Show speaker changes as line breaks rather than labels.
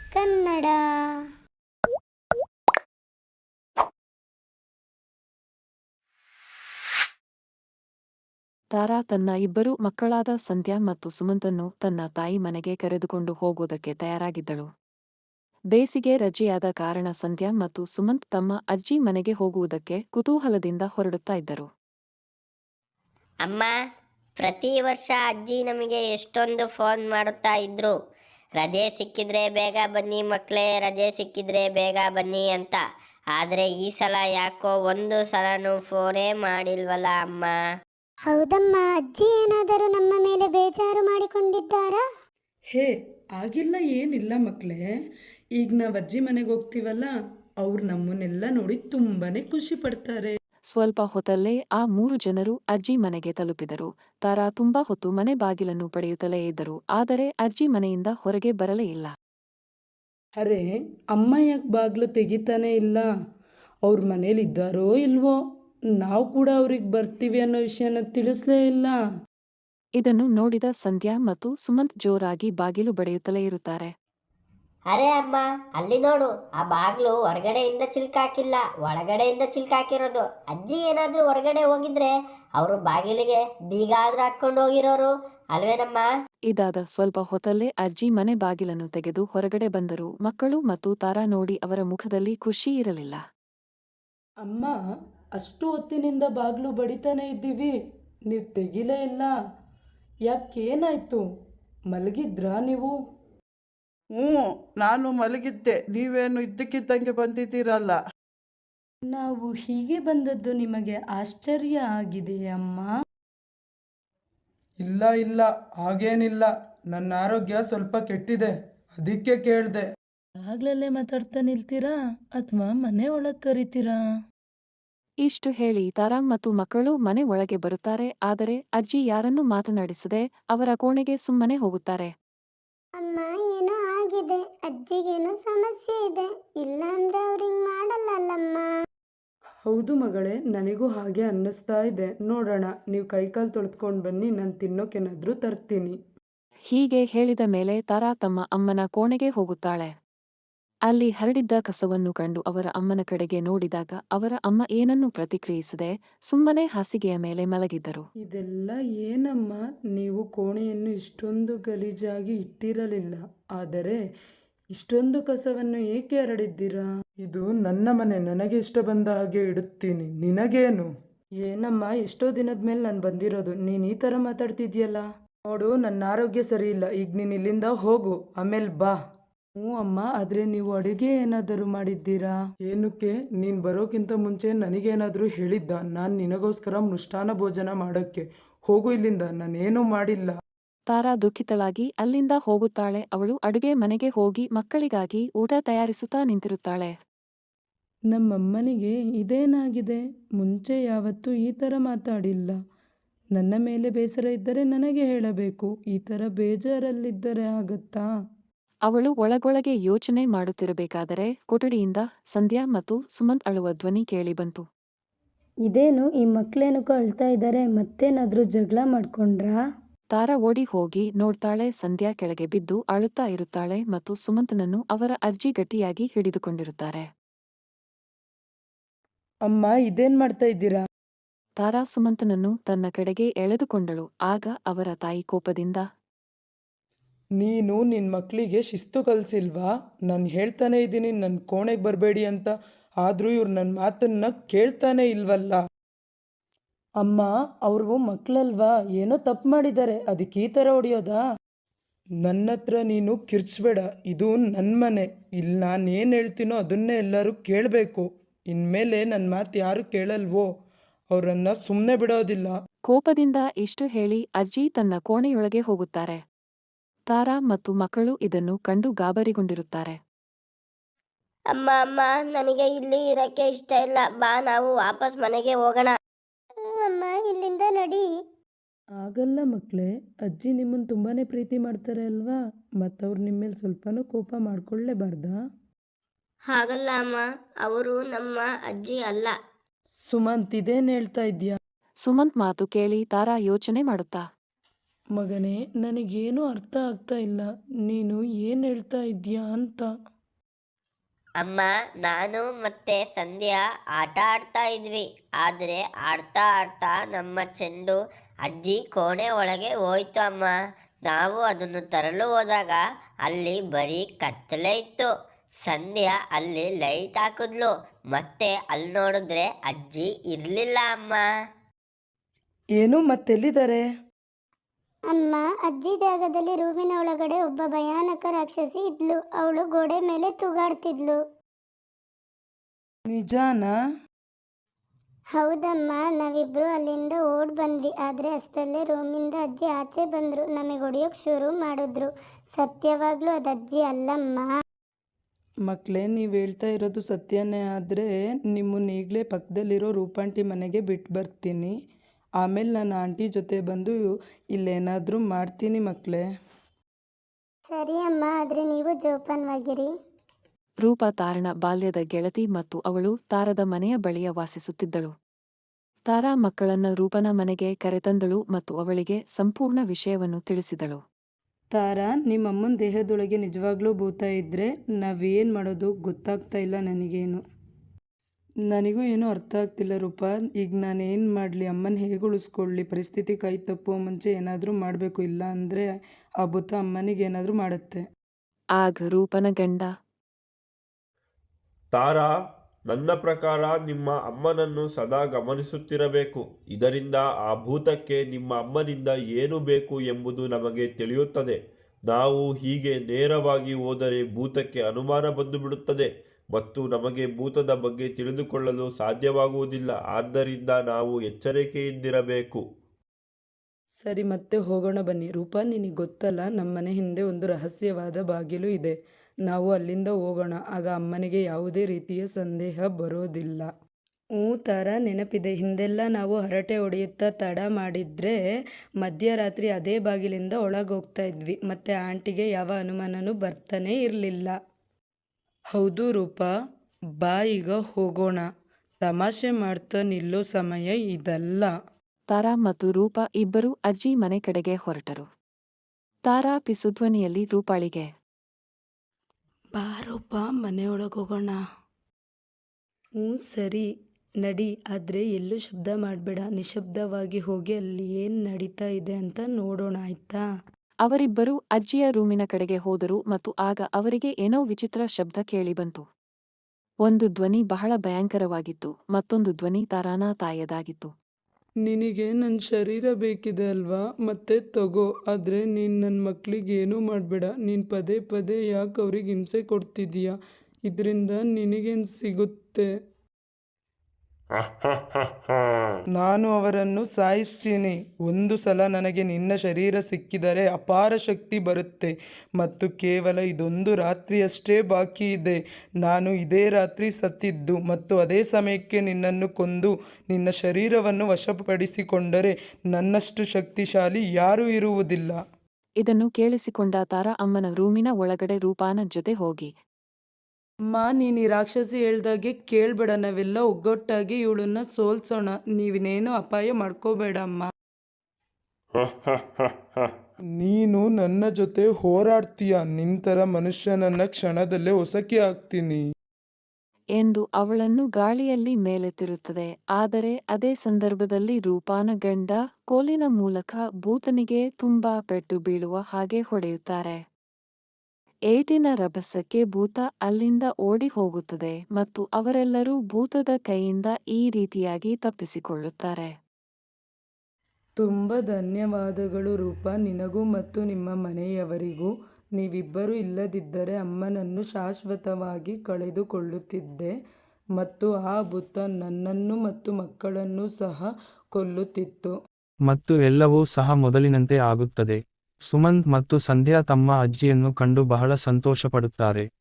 ಕನ್ನಡ.
ತಾರಾ ತನ್ನ ಇಬ್ಬರು ಮಕ್ಕಳಾದ ಸಂಧ್ಯಾ ಮತ್ತು ಸುಮಂತನ್ನು ತನ್ನ ತಾಯಿ ಮನೆಗೆ ಕರೆದುಕೊಂಡು ಹೋಗುವುದಕ್ಕೆ ತಯಾರಾಗಿದ್ದಳು. ಬೇಸಿಗೆ ರಜೆಯಾದ ಕಾರಣ ಸಂಧ್ಯಾ ಮತ್ತು ಸುಮಂತ್ ತಮ್ಮ ಅಜ್ಜಿ ಮನೆಗೆ ಹೋಗುವುದಕ್ಕೆ ಕುತೂಹಲದಿಂದ ಹೊರಡುತ್ತಾ ಇದ್ದರು.
ಅಮ್ಮ, ಪ್ರತಿ ವರ್ಷ ಅಜ್ಜಿ ನಮಗೆ ಎಷ್ಟೊಂದು ಫೋನ್ ಮಾಡುತ್ತಾ ಇದ್ರು, ರಜೆ ಸಿಕ್ಕಿದ್ರೆ ಬೇಗ ಬನ್ನಿ ಮಕ್ಕಳೇ, ರಜೆ ಸಿಕ್ಕಿದ್ರೆ ಬೇಗ ಬನ್ನಿ ಅಂತ. ಆದರೆ ಈ ಸಲ ಯಾಕೋ ಒಂದು ಸಲನೂ ಫೋನೇ ಮಾಡಿಲ್ವಲ್ಲ ಅಮ್ಮ.
ಹೌದಮ್ಮ, ಅಜ್ಜಿ ಏನಾದರೂ ನಮ್ಮ ಮೇಲೆ ಬೇಜಾರು ಮಾಡಿಕೊಂಡಿದ್ದಾರಾ?
ಹೇ, ಆಗಿಲ್ಲ, ಏನಿಲ್ಲ ಮಕ್ಕಳೇ. ಈಗ ನಾವು ಅಜ್ಜಿ ಮನೆಗೆ ಹೋಗ್ತೀವಲ್ಲ, ಅವ್ರು ನಮ್ಮನ್ನೆಲ್ಲ ನೋಡಿ ತುಂಬಾ ಖುಷಿ ಪಡ್ತಾರೆ.
ಸ್ವಲ್ಪ ಹೊತ್ತಲ್ಲೇ ಆ 3 ಜನರು ಅಜ್ಜಿ ಮನೆಗೆ ತಲುಪಿದರು. ತಾರಾ ತುಂಬಾ ಹೊತ್ತು ಮನೆ ಬಾಗಿಲನ್ನು ಪಡೆಯುತ್ತಲೇ ಇದ್ದರು, ಆದರೆ ಅಜ್ಜಿ ಮನೆಯಿಂದ ಹೊರಗೆ ಬರಲೇ ಇಲ್ಲ.
ಅರೆ, ಅಮ್ಮ ಯಾಕೆ ಬಾಗಿಲು ತೆಗಿತಾನೇ ಇಲ್ಲ? ಅವ್ರ ಮನೇಲಿದ್ದಾರೋ ಇಲ್ವೋ? ನಾವು ಕೂಡ ಅವ್ರಿಗೆ ಬರ್ತೀವಿ ಅನ್ನೋ ವಿಷಯನ ತಿಳಿಸ್ಲೇ ಇಲ್ಲ.
ಇದನ್ನು ನೋಡಿದ ಸಂಧ್ಯಾ ಮತ್ತು ಸುಮಂತ್ ಜೋರಾಗಿ ಬಾಗಿಲು ಬಡಿಯುತ್ತಲೇ ಇರುತ್ತಾರೆ.
ಅರೆ ಅಮ್ಮ, ಅಲ್ಲಿ ನೋಡು, ಆ ಬಾಗ್ಲು ಹೊರಗಡೆಯಿಂದ ಚಿಲ್ಕಾಕಿಲ್ಲ, ಒಳಗಡೆಯಿಂದ ಚಿಲ್ಕಾಕಿರೋದು. ಅಜ್ಜಿ ಏನಾದ್ರೂ ಹೊರಗಡೆ ಹೋಗಿದ್ರೆ ಅವರು ಬಾಗಿಲಿಗೆ ಬೀಗ ಆದ್ರೂ ಹಾಕೊಂಡು ಹೋಗಿರೋರು ಅಲ್ವೇನಮ್ಮ?
ಇದಾದ ಸ್ವಲ್ಪ ಹೊತ್ತಲ್ಲೇ ಅಜ್ಜಿ ಮನೆ ಬಾಗಿಲನ್ನು ತೆಗೆದು ಹೊರಗಡೆ ಬಂದರು. ಮಕ್ಕಳು ಮತ್ತು ತಾರಾ ನೋಡಿ ಅವರ ಮುಖದಲ್ಲಿ ಖುಷಿ ಇರಲಿಲ್ಲ.
ಅಮ್ಮ, ಅಷ್ಟು ಹೊತ್ತಿನಿಂದ ಬಾಗಿಲು ಬಡಿತಾನೆ ಇದ್ದೀವಿ, ನೀವು ತೆಗಿಲೇ ಇಲ್ಲ. ಯಾಕೇನಾಯ್ತು? ಮಲಗಿದ್ರಾ ನೀವು?
ಹ್ಞೂ, ನಾನು ಮಲಗಿದ್ದೆ. ನೀವೇನು ಇದ್ದಕ್ಕಿದ್ದಂಗೆ ಬಂದಿದ್ದೀರಲ್ಲ.
ನಾವು ಹೀಗೆ ಬಂದದ್ದು ನಿಮಗೆ ಆಶ್ಚರ್ಯ ಆಗಿದೆಯೇ ಅಮ್ಮ?
ಇಲ್ಲ ಇಲ್ಲ, ಹಾಗೇನಿಲ್ಲ. ನನ್ನ ಆರೋಗ್ಯ ಸ್ವಲ್ಪ ಕೆಟ್ಟಿದೆ, ಅದಕ್ಕೆ ಕೇಳಿದೆ.
ಆಗ್ಲಲ್ಲೇ ಮಾತಾಡ್ತಾ ನಿಲ್ತೀರಾ ಅಥವಾ ಮನೆ ಒಳಗೆ ಕರಿತೀರಾ?
ಇಷ್ಟು ಹೇಳಿ ತಾರಾ ಮತ್ತು ಮಕ್ಕಳು ಮನೆ ಒಳಗೆ ಬರುತ್ತಾರೆ. ಆದರೆ ಅಜ್ಜಿ ಯಾರನ್ನೂ ಮಾತನಾಡಿಸದೆ ಅವರ ಕೋಣೆಗೆ ಸುಮ್ಮನೆ ಹೋಗುತ್ತಾರೆ.
ಅಮ್ಮ, ಏನೋ ಆಗಿದೆ, ಅಜ್ಜಿಗೇನೋ ಸಮಸ್ಯೆ ಇದೆ, ಇಲ್ಲ ಅಂದ್ರೆ ಅವ್ರಿಂಗ್ ಮಾಡಲ್ಲಲ್ಲಮ್ಮ.
ಹೌದು ಮಗಳೇ, ನನಗೂ ಹಾಗೆ ಅನ್ನಿಸ್ತಾ ಇದೆ. ನೋಡೋಣ, ನೀವು ಕೈಕಾಲು ತೊಳೆದ್ಕೊಂಡು ಬನ್ನಿ, ನಾನು ತಿನ್ನೋಕೇನಾದರೂ ತರ್ತೀನಿ.
ಹೀಗೆ ಹೇಳಿದ ಮೇಲೆ ತಾರಾ ತಮ್ಮ ಅಮ್ಮನ ಕೋಣೆಗೆ ಹೋಗುತ್ತಾಳೆ. ಅಲ್ಲಿ ಹರಡಿದ್ದ ಕಸವನ್ನು ಕಂಡು ಅವರ ಅಮ್ಮನ ಕಡೆಗೆ ನೋಡಿದಾಗ ಅವರ ಅಮ್ಮ ಏನನ್ನೂ ಪ್ರತಿಕ್ರಿಯಿಸದೆ ಸುಮ್ಮನೆ ಹಾಸಿಗೆಯ ಮೇಲೆ ಮಲಗಿದ್ದರು.
ಇದೆಲ್ಲ ಏನಮ್ಮ? ನೀವು ಕೋಣೆಯನ್ನು ಇಷ್ಟೊಂದು ಗಲೀಜಾಗಿ ಇಟ್ಟಿರಲಿಲ್ಲ, ಆದರೆ ಇಷ್ಟೊಂದು ಕಸವನ್ನು ಏಕೆ ಹರಡಿದ್ದೀರಾ?
ಇದು ನನ್ನ ಮನೆ, ನನಗೆ ಇಷ್ಟ ಬಂದ ಹಾಗೆ ಇಡುತ್ತೀನಿ, ನಿನಗೇನು?
ಏನಮ್ಮ, ಎಷ್ಟೋ ದಿನದ ಮೇಲೆ ನಾನು ಬಂದಿರೋದು, ನೀನು ಈ ಥರ ಮಾತಾಡ್ತಿದ್ಯಲ್ಲ? ನೋಡು, ನನ್ನ ಆರೋಗ್ಯ ಸರಿ ಇಲ್ಲ, ಈಗ ನೀನು ಇಲ್ಲಿಂದ ಹೋಗು, ಆಮೇಲೆ ಬಾ. ಹ್ಞೂ ಅಮ್ಮ, ಆದರೆ ನೀವು ಅಡುಗೆ ಏನಾದರೂ ಮಾಡಿದ್ದೀರಾ?
ಏನಕ್ಕೆ? ನೀನು ಬರೋಕ್ಕಿಂತ ಮುಂಚೆ ನನಗೇನಾದರೂ ಹೇಳಿದ್ದ ನಾನು ನಿನಗೋಸ್ಕರ ಮೃಷ್ಟಾನ್ನ ಭೋಜನ ಮಾಡೋಕ್ಕೆ? ಹೋಗು ಇಲ್ಲಿಂದ, ನಾನೇನೂ ಮಾಡಿಲ್ಲ.
ತಾರಾ ದುಃಖಿತಳಾಗಿ ಅಲ್ಲಿಂದ ಹೋಗುತ್ತಾಳೆ. ಅವಳು ಅಡುಗೆ ಮನೆಗೆ ಹೋಗಿ ಮಕ್ಕಳಿಗಾಗಿ ಊಟ ತಯಾರಿಸುತ್ತಾ ನಿಂತಿರುತ್ತಾಳೆ.
ನಮ್ಮಮ್ಮನಿಗೆ ಇದೇನಾಗಿದೆ? ಮುಂಚೆ ಯಾವತ್ತೂ ಈ ಥರ ಮಾತಾಡಿಲ್ಲ. ನನ್ನ ಮೇಲೆ ಬೇಸರ ಇದ್ದರೆ ನನಗೆ ಹೇಳಬೇಕು, ಈ ಥರ ಬೇಜಾರಲ್ಲಿದ್ದರೆ ಆಗತ್ತಾ?
ಅವಳು ಒಳಗೊಳಗೆ ಯೋಚನೆ ಮಾಡುತ್ತಿರಬೇಕಾದರೆ ಕೊಠಡಿಯಿಂದ ಸಂಧ್ಯಾ ಮತ್ತು ಸುಮಂತ್ ಅಳುವ ಧ್ವನಿ ಕೇಳಿಬಂತು.
ಇದೇನು, ಈ ಮಕ್ಕಳೇನಕ್ಕೂ ಅಳ್ತಾ ಇದ್ದಾರೆ, ಮತ್ತೇನಾದರೂ ಜಗಳ ಮಾಡ್ಕೊಂಡ್ರಾ?
ತಾರಾ ಓಡಿ ಹೋಗಿ ನೋಡ್ತಾಳೆ. ಸಂಧ್ಯಾ ಕೆಳಗೆ ಬಿದ್ದು ಅಳುತ್ತಾ ಇರುತ್ತಾಳೆ ಮತ್ತು ಸುಮಂತನನ್ನು ಅವರ ಅಜ್ಜಿ ಗಟ್ಟಿಯಾಗಿ ಹಿಡಿದುಕೊಂಡಿರುತ್ತಾರೆ.
ಅಮ್ಮ, ಇದೇನು ಮಾಡ್ತಾ ಇದ್ದೀರಾ?
ತಾರಾ ಸುಮಂತನನ್ನು ತನ್ನ ಕಡೆಗೆ ಎಳೆದುಕೊಂಡಳು. ಆಗ ಅವರ ತಾಯಿ ಕೋಪದಿಂದ,
ನೀನು ನಿನ್ನ ಮಕ್ಕಳಿಗೆ ಶಿಸ್ತು ಕಲಿಸಿಲ್ವಾ? ನಾನು ಹೇಳ್ತಾನೆ ಇದ್ದೀನಿ ನನ್ನ ಕೋಣೆಗೆ ಬರಬೇಡಿ ಅಂತ, ಆದರೂ ಇವ್ರು ನನ್ನ ಮಾತನ್ನು ಕೇಳ್ತಾನೆ ಇಲ್ವಲ್ಲ.
ಅಮ್ಮ, ಅವರು ಮಕ್ಕಳಲ್ವಾ, ಏನೋ ತಪ್ಪು ಮಾಡಿದ್ದಾರೆ, ಅದಕ್ಕೆ ಈ ಥರ ಹೊಡೆಯೋದಾ?
ನನ್ನ ಹತ್ರ ನೀನು ಕಿರ್ಚ್ಬೇಡ, ಇದು ನನ್ನ ಮನೆ. ಇಲ್ಲಿ ನಾನು ಏನು ಹೇಳ್ತೀನೋ ಅದನ್ನೇ ಎಲ್ಲರೂ ಕೇಳಬೇಕು. ಇನ್ಮೇಲೆ ನನ್ನ ಮಾತು ಯಾರು ಕೇಳಲ್ವೋ ಅವರನ್ನು ಸುಮ್ಮನೆ ಬಿಡೋದಿಲ್ಲ.
ಕೋಪದಿಂದ ಇಷ್ಟು ಹೇಳಿ ಅಜ್ಜಿ ತನ್ನ ಕೋಣೆಯೊಳಗೆ ಹೋಗುತ್ತಾರೆ. ತಾರಾ ಮತ್ತು ಮಕ್ಕಳು ಇದನ್ನು ಕಂಡು ಗಾಬರಿಗೊಂಡಿರುತ್ತಾರೆ.
ಅಮ್ಮ ಅಮ್ಮ, ನನಗೆ ಇಲ್ಲಿ ಇರಕ್ಕೆ ಇಷ್ಟ ಇಲ್ಲ, ಬಾ ನಾವು ವಾಪಸ್ ಮನೆಗೆ ಹೋಗೋಣ.
ಅಮ್ಮ, ಇಲ್ಲಿಂದ ನಡಿ.
ಆಗಲ್ಲ ಮಕ್ಕಳೇ, ಅಜ್ಜಿ ನಿಮ್ಮನ್ನು ತುಂಬಾ ಪ್ರೀತಿ ಮಾಡ್ತಾರೆ ಅಲ್ವಾ, ಮತ್ತವ್ರು ನಿಮ್ಮ ಮೇಲೆ ಸ್ವಲ್ಪನೂ ಕೋಪ ಮಾಡ್ಕೊಳ್ಳೇಬಾರ್ದಾ?
ಹಾಗಲ್ಲ ಅಮ್ಮ, ಅವರು ನಮ್ಮ ಅಜ್ಜಿ ಅಲ್ಲ.
ಸುಮಂತ್, ಇದೇನು ಹೇಳ್ತಾ ಇದ್ಯಾ?
ಸುಮಂತ್ ಮಾತು ಕೇಳಿ ತಾರಾ ಯೋಚನೆ ಮಾಡುತ್ತಾ,
ಮಗನೇ, ನನಗೇನು ಅರ್ಥ ಆಗ್ತಾ ಇಲ್ಲ. ನೀನು ಏನು ಹೇಳ್ತಾ ಇದ್ದೀಯಾ ಅಂತ.
ಅಮ್ಮ, ನಾನು ಮತ್ತೆ ಸಂಧ್ಯಾ ಆಟ ಆಡ್ತಾ ಇದ್ವಿ. ಆದರೆ ಆಡ್ತಾ ಆಡ್ತಾ ನಮ್ಮ ಚೆಂಡು ಅಜ್ಜಿ ಕೋಣೆ ಒಳಗೆ ಹೋಯ್ತು ಅಮ್ಮ. ನಾವು ಅದನ್ನು ತರಲು ಹೋದಾಗ ಅಲ್ಲಿ ಬರೀ ಕತ್ತಲೆ ಇತ್ತು. ಸಂಧ್ಯಾ ಅಲ್ಲಿ ಲೈಟ್ ಹಾಕಿದ್ಲು. ಮತ್ತೆ ಅಲ್ಲಿ ನೋಡಿದ್ರೆ ಅಜ್ಜಿ ಇರಲಿಲ್ಲ ಅಮ್ಮ.
ಏನು ಮತ್ತೆಲ್ಲಿದ್ದಾರೆ?
ಅಮ್ಮ, ಅಜ್ಜಿ ಜಾಗದಲ್ಲಿ ರೂಮಿನ ಒಳಗಡೆ ಒಬ್ಬ ಭಯಾನಕ ರಾಕ್ಷಸಿ ಇದ್ಲು. ಅವಳು ಗೋಡೆ ಮೇಲೆ ತೂಗಾಡ್ತಿದ್ಲು.
ನಿಜಾನಾ?
ಹೌದಮ್ಮ, ನಾವಿಬ್ರು ಅಲ್ಲಿಂದ ಓಡ್ ಬಂದ್ವಿ. ಆದ್ರೆ ಅಷ್ಟರಲ್ಲೇ ರೂಮಿಂದ ಅಜ್ಜಿ ಆಚೆ ಬಂದ್ರು. ನಮಗೆ ಹೊಡೆಯೋಕ್ ಶುರು ಮಾಡಿದ್ರು. ಸತ್ಯವಾಗ್ಲೂ ಅದು ಅಜ್ಜಿ ಅಲ್ಲಮ್ಮ.
ಮಕ್ಕಳೇ, ನೀವು ಹೇಳ್ತಾ ಇರೋದು ಸತ್ಯನೇ ಆದರೆ ನಿಮ್ಮನ್ನ ಈಗಲೇ ಪಕ್ಕದಲ್ಲಿರೋ ರೂಪಾಂಟಿ ಮನೆಗೆ ಬಿಟ್ಟು ಬರ್ತೀನಿ. ಆಮೇಲೆ ನಾನು ಆಂಟಿ ಜೊತೆ ಬಂದು ಇಲ್ಲೇನಾದರೂ ಮಾಡ್ತೀನಿ ಮಕ್ಕಳೇ.
ಸರಿ ಅಮ್ಮ, ಆದ್ರೆ ನೀವು ಜೋಪಾನವಾಗಿರಿ.
ರೂಪ ತಾರನ ಬಾಲ್ಯದ ಗೆಳತಿ ಮತ್ತು ಅವಳು ತಾರದ ಮನೆಯ ಬಳಿಯ ವಾಸಿಸುತ್ತಿದ್ದಳು. ತಾರಾ ಮಕ್ಕಳನ್ನ ರೂಪನ ಮನೆಗೆ ಕರೆತಂದಳು ಮತ್ತು ಅವಳಿಗೆ ಸಂಪೂರ್ಣ ವಿಷಯವನ್ನು ತಿಳಿಸಿದಳು.
ತಾರಾ, ನಿಮ್ಮಮ್ಮನ ದೇಹದೊಳಗೆ ನಿಜವಾಗ್ಲೂ ಭೂತ ಇದ್ದರೆ ನಾವೇನು ಮಾಡೋದು ಗೊತ್ತಾಗ್ತಾ ಇಲ್ಲ ನನಗೇನು. ನನಗೂ ಏನೂ ಅರ್ಥ ಆಗ್ತಿಲ್ಲ ರೂಪ. ಈಗ ನಾನೇನು ಮಾಡಲಿ? ಅಮ್ಮನ ಹೇಗೆ ಉಳಿಸ್ಕೊಳ್ಳಿ? ಪರಿಸ್ಥಿತಿ ಕೈ ತಪ್ಪುವ ಮುಂಚೆ ಏನಾದರೂ ಮಾಡಬೇಕು, ಇಲ್ಲ ಅಂದರೆ ಆ ಭೂತ ಅಮ್ಮನಿಗೆ ಏನಾದರೂ ಮಾಡುತ್ತೆ.
ಆಗ ರೂಪನ ಗಂಡ
ತಾರಾ, ನನ್ನ ಪ್ರಕಾರ ನಿಮ್ಮ ಅಮ್ಮನನ್ನು ಸದಾ ಗಮನಿಸುತ್ತಿರಬೇಕು. ಇದರಿಂದ ಆ ಭೂತಕ್ಕೆ ನಿಮ್ಮ ಅಮ್ಮನಿಂದ ಏನು ಬೇಕು ಎಂಬುದು ನಮಗೆ ತಿಳಿಯುತ್ತದೆ. ನಾವು ಹೀಗೆ ನೇರವಾಗಿ ಹೋದರೆ ಭೂತಕ್ಕೆ ಅನುಮಾನ ಬಂದು ಬಿಡುತ್ತದೆ ಮತ್ತು ನಮಗೆ ಭೂತದ ಬಗ್ಗೆ ತಿಳಿದುಕೊಳ್ಳಲು ಸಾಧ್ಯವಾಗುವುದಿಲ್ಲ. ಆದ್ದರಿಂದ ನಾವು ಎಚ್ಚರಿಕೆಯಿಂದಿರಬೇಕು.
ಸರಿ, ಮತ್ತೆ ಹೋಗೋಣ ಬನ್ನಿ. ರೂಪ, ನಿನಗೆ ಗೊತ್ತಲ್ಲ, ನಮ್ಮನೆ ಹಿಂದೆ ಒಂದು ರಹಸ್ಯವಾದ ಬಾಗಿಲು ಇದೆ. ನಾವು ಅಲ್ಲಿಂದ ಹೋಗೋಣ. ಆಗ ಅಮ್ಮನಿಗೆ ಯಾವುದೇ ರೀತಿಯ ಸಂದೇಹ ಬರೋದಿಲ್ಲ. ತಾರಾ, ನೆನಪಿದೆ. ಹಿಂದೆಲ್ಲ ನಾವು ಹರಟೆ ಹೊಡೆಯುತ್ತಾ ತಡ ಮಾಡಿದರೆ ಮಧ್ಯರಾತ್ರಿ ಅದೇ ಬಾಗಿಲಿಂದ ಒಳಗೆ ಹೋಗ್ತಾ ಇದ್ವಿ. ಮತ್ತು ಆಂಟಿಗೆ ಯಾವ ಅನುಮಾನನೂ ಬರ್ತಾನೇ ಇರಲಿಲ್ಲ. ಹೌದು ರೂಪ, ಬಾ ಈಗ ಹೋಗೋಣ. ತಮಾಷೆ ಮಾಡ್ತಾ ನಿಲ್ಲೋ ಸಮಯ ಇದಲ್ಲ.
ತಾರಾ ಮತ್ತು ರೂಪ ಇಬ್ಬರೂ ಅಜ್ಜಿ ಮನೆ ಕಡೆಗೆ ಹೊರಟರು. ತಾರಾ ಪಿಸುಧ್ವನಿಯಲ್ಲಿ ರೂಪಾಳಿಗೆ,
ಬಾ ರೂಪ, ಮನೆಯೊಳಗೆ ಹೋಗೋಣ. ಸರಿ, ನಡಿ. ಆದರೆ ಎಲ್ಲೂ ಶಬ್ದ ಮಾಡಬೇಡ. ನಿಶಬ್ದವಾಗಿ ಹೋಗಿ ಅಲ್ಲಿ ಏನು ನಡೀತಾ ಇದೆ ಅಂತ ನೋಡೋಣ, ಆಯ್ತಾ?
ಅವರಿಬ್ಬರೂ ಅಜ್ಜಿಯ ರೂಮಿನ ಕಡೆಗೆ ಹೋದರು ಮತ್ತು ಆಗ ಅವರಿಗೆ ಏನೋ ವಿಚಿತ್ರ ಶಬ್ದ ಕೇಳಿಬಂತು. ಒಂದು ಧ್ವನಿ ಬಹಳ ಭಯಂಕರವಾಗಿತ್ತು. ಮತ್ತೊಂದು ಧ್ವನಿ ತಾರಾನ ತಾಯದಾಗಿತ್ತು.
ನಿನಗೆ ನನ್ನ ಶರೀರ ಬೇಕಿದೆ ಅಲ್ವಾ? ಮತ್ತೆ ತಗೋ. ಆದರೆ ನೀನು ನನ್ನ ಮಕ್ಕಳಿಗೆ ಏನೂ ಮಾಡಬೇಡ. ನೀನು ಪದೇ ಪದೇ ಯಾಕೆ ಅವ್ರಿಗೆ ಹಿಂಸೆ ಕೊಡ್ತಿದೀಯ? ಇದರಿಂದ ನಿನಗೇನು ಸಿಗುತ್ತೆ? ನಾನು ಅವರನ್ನು ಸಾಯಿಸ್ತೀನಿ. ಒಂದು ಸಲ ನನಗೆ ನಿನ್ನ ಶರೀರ ಸಿಕ್ಕಿದರೆ ಅಪಾರ ಶಕ್ತಿ ಬರುತ್ತೆ ಮತ್ತು ಕೇವಲ ಇದೊಂದು ರಾತ್ರಿಯಷ್ಟೇ ಬಾಕಿ ಇದೆ. ನಾನು ಇದೇ ರಾತ್ರಿ ಸತ್ತಿದ್ದು ಮತ್ತು ಅದೇ ಸಮಯಕ್ಕೆ ನಿನ್ನನ್ನು ಕೊಂದು ನಿನ್ನ ಶರೀರವನ್ನು ವಶಪಡಿಸಿಕೊಂಡರೆ ನನ್ನಷ್ಟು ಶಕ್ತಿಶಾಲಿ ಯಾರೂ ಇರುವುದಿಲ್ಲ.
ಇದನ್ನು ಕೇಳಿಸಿಕೊಂಡ ತಾರಾ ಅಮ್ಮನ ರೂಮಿನ ಒಳಗಡೆ ರೂಪಾನ ಜೊತೆ ಹೋಗಿ,
ಅಮ್ಮ, ನೀನು ಈ ರಾಕ್ಷಸಿ ಹೇಳ್ದಾಗೆ ಕೇಳಬೇಡ. ನಾವೆಲ್ಲ ಒಗ್ಗಟ್ಟಾಗಿ ಇವಳನ್ನ ಸೋಲ್ಸೋಣ. ನೀವಿನೇನು ಅಪಾಯ ಮಾಡ್ಕೋಬೇಡ ಅಮ್ಮ. ನೀನು ನನ್ನ ಜೊತೆ ಹೋರಾಡ್ತೀಯ. ನಿಂತರ ಮನುಷ್ಯನನ್ನ ಕ್ಷಣದಲ್ಲೇ ಹೊಸಕಿ ಹಾಕ್ತೀನಿ
ಎಂದು ಅವಳನ್ನು ಗಾಳಿಯಲ್ಲಿ ಮೇಲೆತ್ತಿರುತ್ತದೆ. ಆದರೆ ಅದೇ ಸಂದರ್ಭದಲ್ಲಿ ರೂಪಾನ ಗಂಡ ಕೋಲಿನ ಮೂಲಕ ಭೂತನಿಗೆ ತುಂಬಾ ಪೆಟ್ಟು ಬೀಳುವ ಹಾಗೆ ಹೊಡೆಯುತ್ತಾರೆ. ಏಟಿನ ರಭಸಕ್ಕೆ ಭೂತ ಅಲ್ಲಿಂದ ಓಡಿ ಹೋಗುತ್ತದೆ ಮತ್ತು ಅವರೆಲ್ಲರೂ ಭೂತದ ಕೈಯಿಂದ ಈ ರೀತಿಯಾಗಿ ತಪ್ಪಿಸಿಕೊಳ್ಳುತ್ತಾರೆ.
ತುಂಬ ಧನ್ಯವಾದಗಳು ರೂಪ, ನಿನಗೂ ಮತ್ತು ನಿಮ್ಮ ಮನೆಯವರಿಗೂ. ನೀವಿಬ್ಬರೂ ಇಲ್ಲದಿದ್ದರೆ ಅಮ್ಮನನ್ನು ಶಾಶ್ವತವಾಗಿ ಕಳೆದುಕೊಳ್ಳುತ್ತಿದ್ದೆ ಮತ್ತು ಆ ಭೂತ ನನ್ನನ್ನು ಮತ್ತು ಮಕ್ಕಳನ್ನು ಸಹ ಕೊಲ್ಲುತ್ತಿತ್ತು.
ಮತ್ತು ಎಲ್ಲವೂ ಸಹ ಮೊದಲಿನಂತೆ ಆಗುತ್ತದೆ. ಸುಮಂತ್ ಮತ್ತು ಸಂಧ್ಯಾ ತಮ್ಮ ಅಜ್ಜಿಯನ್ನು ಕಂಡು ಬಹಳ ಸಂತೋಷಪಡುತ್ತಾರೆ.